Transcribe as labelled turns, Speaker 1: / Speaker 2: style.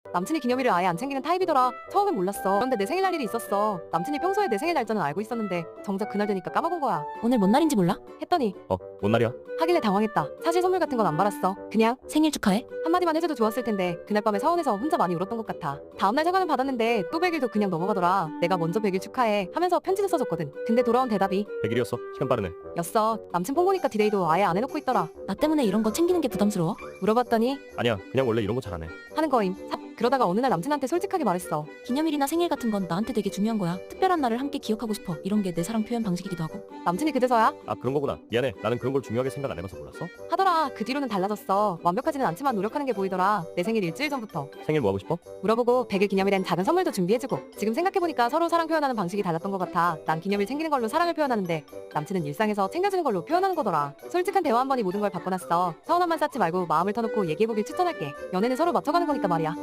Speaker 1: 남친이 기념일을 아예 안 챙기는 타입이더라. 처음엔 몰랐어. 그런데 내 생일 날 일이 있었어. 남친이 평소에 내 생일 날짜는 알고 있었는데 정작 그날 되니까 까먹은 거야.
Speaker 2: 오늘 뭔 날인지 몰라?
Speaker 1: 했더니
Speaker 3: 뭔 날이야?
Speaker 1: 하길래 당황했다. 사실 선물 같은 건 안 받았어. 그냥
Speaker 2: 생일 축하해?
Speaker 1: 한마디만 해줘도 좋았을 텐데 그날 밤에 서운해서 혼자 많이 울었던 것 같아. 다음날 사과는 받았는데 또 100일도 그냥 넘어가더라. 내가 먼저 100일 축하해 하면서 편지를 써줬거든. 근데 돌아온 대답이
Speaker 3: 100일이었어. 시간 빠르네.
Speaker 1: 였어. 남친 폰 보니까 디데이도 아예 안 해놓고 있더라.
Speaker 2: 나 때문에 이런 거 챙기는 게 부담스러워?
Speaker 1: 물어봤더니
Speaker 3: 아니야, 그냥 원래 이런 거 잘 안 해.
Speaker 1: 하는 거임. 그러다가 어느 날 남친한테 솔직하게 말했어.
Speaker 2: 기념일이나 생일 같은 건 나한테 되게 중요한 거야. 특별한 날을 함께 기억하고 싶어. 이런 게 내 사랑 표현 방식이기도 하고.
Speaker 1: 남친이 그제서야
Speaker 3: 아, 그런 거구나. 미안해. 나는 그런 걸 중요하게 생각 안 해봐서 몰랐어.
Speaker 1: 하더라. 그 뒤로는 달라졌어. 완벽하지는 않지만 노력하는 게 보이더라. 내 생일 일주일 전부터
Speaker 3: 생일 뭐 하고 싶어?
Speaker 1: 물어보고 100일 기념일엔 작은 선물도 준비해주고. 지금 생각해보니까 서로 사랑 표현하는 방식이 달랐던 것 같아. 난 기념일 챙기는 걸로 사랑을 표현하는데 남친은 일상에서 챙겨주는 걸로 표현하는 거더라. 솔직한 대화 한 번이 모든 걸 바꿔놨어. 서운함만 쌓지 말고 마음을 터놓고 얘기해보길 추천할게. 연애는 서로 맞춰가는 거니까 말이야.